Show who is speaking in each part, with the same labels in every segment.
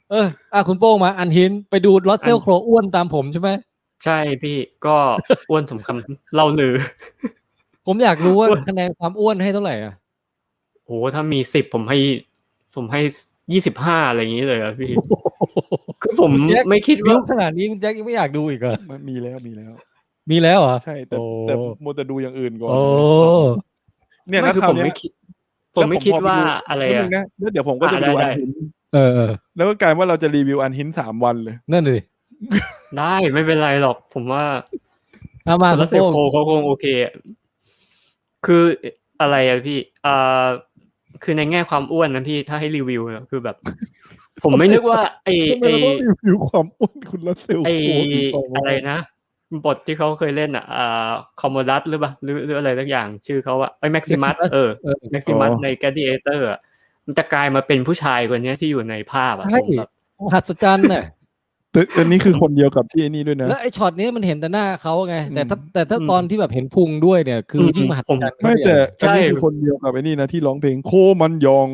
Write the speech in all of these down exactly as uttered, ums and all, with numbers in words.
Speaker 1: เอออ่ะคุณโป้งมาอันหินไปดูรัสเซลโครอ้วนตามผมใช่ไหม
Speaker 2: ใช่พี่ก็อ้วนสมคำเล่าลือ
Speaker 1: ผมอยากรู้ว่าคะแนนความอ้วนให้เท่าไหร่อ่ะ
Speaker 2: โหถ้ามีสิบผมให้ผมให้ยี่สิบห้าอะไรอย่างนี้เลยอ่ะพี่คือผมไม่คิดว่า
Speaker 1: ขนาดนี้คุณแจ็คยังไม่อยากดูอีกเหรอ
Speaker 3: มันมีแล้วมีแล้ว
Speaker 1: มีแล้วเหรอ
Speaker 3: ใช่แต่แต่มัวแต่ดูอย่างอื่นก่อน
Speaker 1: โอ้
Speaker 3: เนี่ย
Speaker 2: ไม่
Speaker 3: นะ
Speaker 2: คือ
Speaker 3: คราว
Speaker 2: ผม
Speaker 3: เนี้ย
Speaker 2: ไม่คิดผมไม่คิดว่าอะไร
Speaker 3: แล้ว
Speaker 2: อ่ะ
Speaker 3: นะแล้วเดี๋ยวผมก็จะไปดูอันหิน
Speaker 1: เออเออ
Speaker 3: แล้วก็กลายว่าเราจะรีวิวอันหินสามวันเลย
Speaker 1: นั่นเลย
Speaker 2: ได้ไม่เป็นไรหรอกผมว่า
Speaker 1: เอามา
Speaker 2: รัสเซลโคเขาคงโอเคคืออะไรอะพี่อ่าคือในแง่ความอ้วนนะพี่ถ้าให้รีวิวเนี่ยคือแบบ ผมไม่นึกว่าไอไอ
Speaker 3: รีวิวความอ้วนคุณรัสเซล
Speaker 2: ไอ
Speaker 3: โค
Speaker 2: อะไรนะบทที่เขาเคยเล่นอ่ะอ่าคอมโมดัสหรือเปล่าหรือหรืออะไรสักอย่างชื่อเขาว่าไอแม็กซิมัสเออแม็กซิมัสในแกดิเอเตอร์มันจะกลายมาเป็นผู้ชายคนนี้ที่อยู่ในภาพอ่ะผมแบบ
Speaker 1: มหัศจรรย์น่ะ
Speaker 3: อันนี้คือคนเดียวกับที่ไอ้นี่ด้วยนะ
Speaker 1: แล้วไอ้ช็อตนี้มันเห็นแต่หน้าเขาไงแต่ถ้าแต่ถ้าตอนที่แบบเห็นพุงด้วยเนี่ยคือยิ่งมหัศจรรย์
Speaker 3: ไม่แต่อันนี้คือคนเดียวกับไอ้นี่นะที่ร้องเพลงโคมันยอง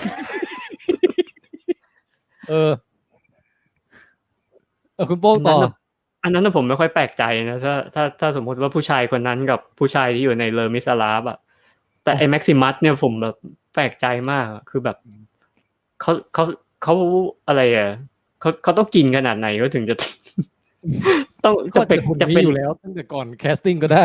Speaker 1: เออเออคุณโป้งต่อ
Speaker 2: อันนั้นผมไม่ค่อยแปลกใจนะถ้าถ้าถ้าสมมติว่าผู้ชายคนนั้นกับผู้ชายที่อยู่ในเลอมิซาลาฟอ่ะแต่ไอ้แม็กซิมัสเนี่ยผมแบบแปลกใจมากคือแบบเขาเขาเขาอะไรอ่ะเขาเขาต้องกินขนาดไหนก็ถึงจะต้องจะเป็นจะเป็น
Speaker 1: อยู่แล้วตั้งแต่ก่อนแคสติ้งก็ได้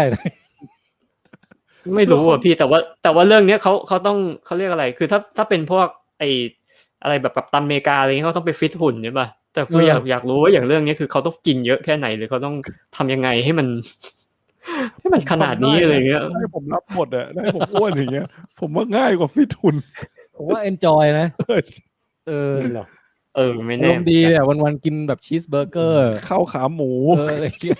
Speaker 2: ไม่รู้อ่ะพี่แต่ว่าแต่ว่าเรื่องนี้เขาเขาต้องเขาเรียกอะไรคือถ้าถ้าเป็นพวกไออะไรแบบกัปตันอเมริกาอะไรเงี้ยเขาต้องไปฟิตหุ่นใช่ป่ะแต่คืออยากอยากรู้ว่าอย่างเรื่องนี้คือเขาต้องกินเยอะแค่ไหนหรือเขาต้องทำยังไงให้มันให้มันขนาดนี้อะไรเงี้ย
Speaker 3: ให้ผมรับหมดอ่ะให้ผมอ้วนอย่างเงี้ยผมว่าง่ายกว่าฟิตหุ่น
Speaker 1: ผมว่าเอนจอยนะเออ
Speaker 2: เออไม่แน่
Speaker 1: ดีอ่ะวันๆกินแบบชีสเบอร์เกอร์
Speaker 3: ข้าวขาหมู
Speaker 1: เอออะไรเงี้ย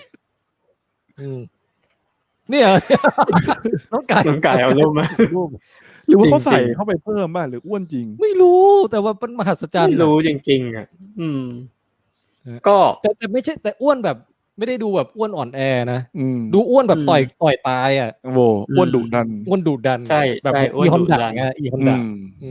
Speaker 1: นี่เหรอน้องไก่
Speaker 2: น้องไก่เอารูปมา
Speaker 3: หรือว่าเขาใส่เข้าไปเพิ่มบ้างหรืออ้วนจริง
Speaker 1: ไม่รู้แต่ว่าเป็นมหัศจรรย์
Speaker 2: ไม่รู้จริงๆอ่ะอืมก็
Speaker 1: แต่แต่ไม่ใช่แต่อ้วนแบบไม่ได้ดูแบบอ้วนอ่อนแอนะดูอ้วนแบบต่อยต่อยตายอ่ะ
Speaker 3: โว้อ้วนดุดัน
Speaker 1: อ้วนดุดัน
Speaker 2: ใช่
Speaker 1: แบบอีฮอนดะไงอีฮอนดะ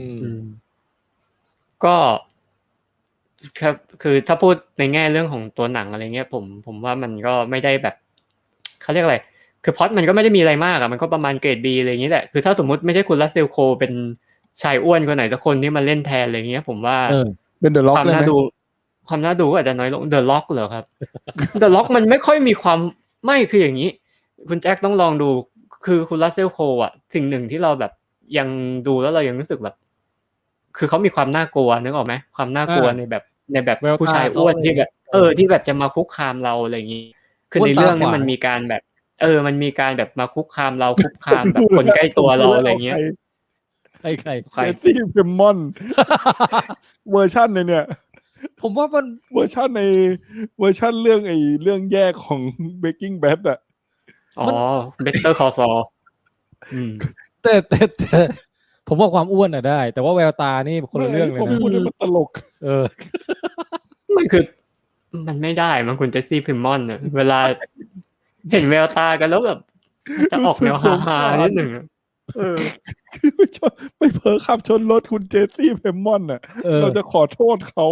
Speaker 2: ก็ครับคือถ้าพูดในแง่เรื่องของตัวหนังอะไรเงี้ยผมผมว่ามันก็ไม่ได้แบบเขาเรียกอะไรคือพล็อตมันก็ไม่ได้มีอะไรมากอ่ะมันก็ประมาณเกรด B อะไรอย่างนี้แหละคือถ้าสมมุติไม่ใช่คุณรัสเซลโคเป็นชายอ้วนคนไหนสักคนที่มาเล่นแทนอะไรเงี้ยผมว่า
Speaker 3: เป็นเดอะล็อก
Speaker 2: ความน่าดูความน่าดูก็อาจจะน้อยลงเดอะล็อกเหรอครับเดอะล็อกมันไม่ค่อยมีความไม่คืออย่างนี้คุณแจ็คต้องลองดูคือคุณรัสเซลโคอ่ะสิ่งหนึ่งที่เราแบบยังดูแล้วเรายังรู้สึกแบบคือเขามีความน่ากลัวนึกออกไหมความน่ากลัวในแบบในแบบผู้ชายอ้วนที่แบบเออที่แบบจะมาคุกคามเราอะไรอย่างนี้คือในเรื่องนี้มันมีการแบบเออมันมีการแบบมาคุกคามเราคุกคามแบบคนใกล้ตัวเราอะไรอย่างเงี้ย
Speaker 1: ใครใคร
Speaker 3: เจสซี่เพมมอนเวอร์ชันในเนี่ย
Speaker 1: ผมว่ามัน
Speaker 3: เวอร์ชันในเวอร์ชันเรื่องไอ้เรื่องแยกของ Breaking Bad อ่ะ
Speaker 2: อ๋อ Better Call Saul อืม
Speaker 1: แต่แต่แต่ผมว่าความอ้วนอ่ะได้แต่ว่าแววตานี่คนละเรื่องเลยนะ
Speaker 3: ผมพูดมันตลก
Speaker 1: เออ
Speaker 2: มันคือมันไม่ได้มันคุณเจสซี่เพมมอนเนี่ยเวลาเห็นแววตากันแล้วแบบจะออกแนวฮาๆนิดหนึ่งเออ
Speaker 3: คือไปเผลอขับชนรถคุณเจสซี่เพมมอนน่ะเราจะขอโทษเขา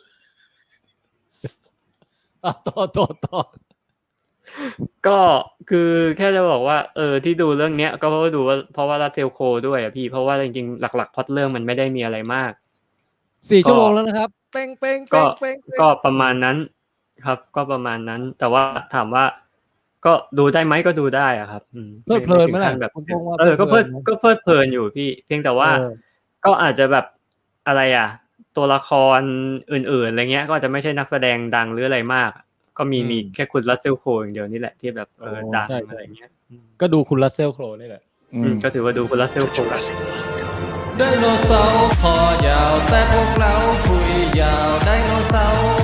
Speaker 1: ต่อต่อต่อ
Speaker 2: ก็คือแค่จะบอกว่าเออที่ดูเรื่องเนี้ยก็เพราะว่าดูว่าเพราะว่ารัสเซลโคด้วยอ่ะพี่เพราะว่าจริงๆหลักๆพล็อตเรื่องมันไม่ได้มีอะไรมาก
Speaker 1: สี่ชั่วโมงแล้วนะครับเป้งเป้งเป้งเป้ง
Speaker 2: ก็ประมาณนั้นครับก็ประมาณนั้นแต่ว่าถามว่าก็ดูได้ไหมก็ดูได้อ่ะครับ
Speaker 1: เพลิดเพลินไหมล่ะ
Speaker 2: แบบเออก็เพลิดก็เพลิดเพลินอยู่พี่เพียงแต่ว่าก็อาจจะแบบอะไรอ่ะตัวละครอื่นๆอะไรเงี้ยก็อาจจะไม่ใช่นักแสดงดังหรืออะไรมากก็มีมีแค่คุณรัสเซลโครอย่างเดียวนี่แหละที่แบบเออดังอะไรเงี้ย
Speaker 1: ก็ดูคุณรัสเซลโครนี่แหละ
Speaker 2: ก็ถือว่าดูคุณรัสเซลโคร
Speaker 1: ไดโนเสาร์คอยาวแต่พวกเราคุยยาวไดโนเสาร์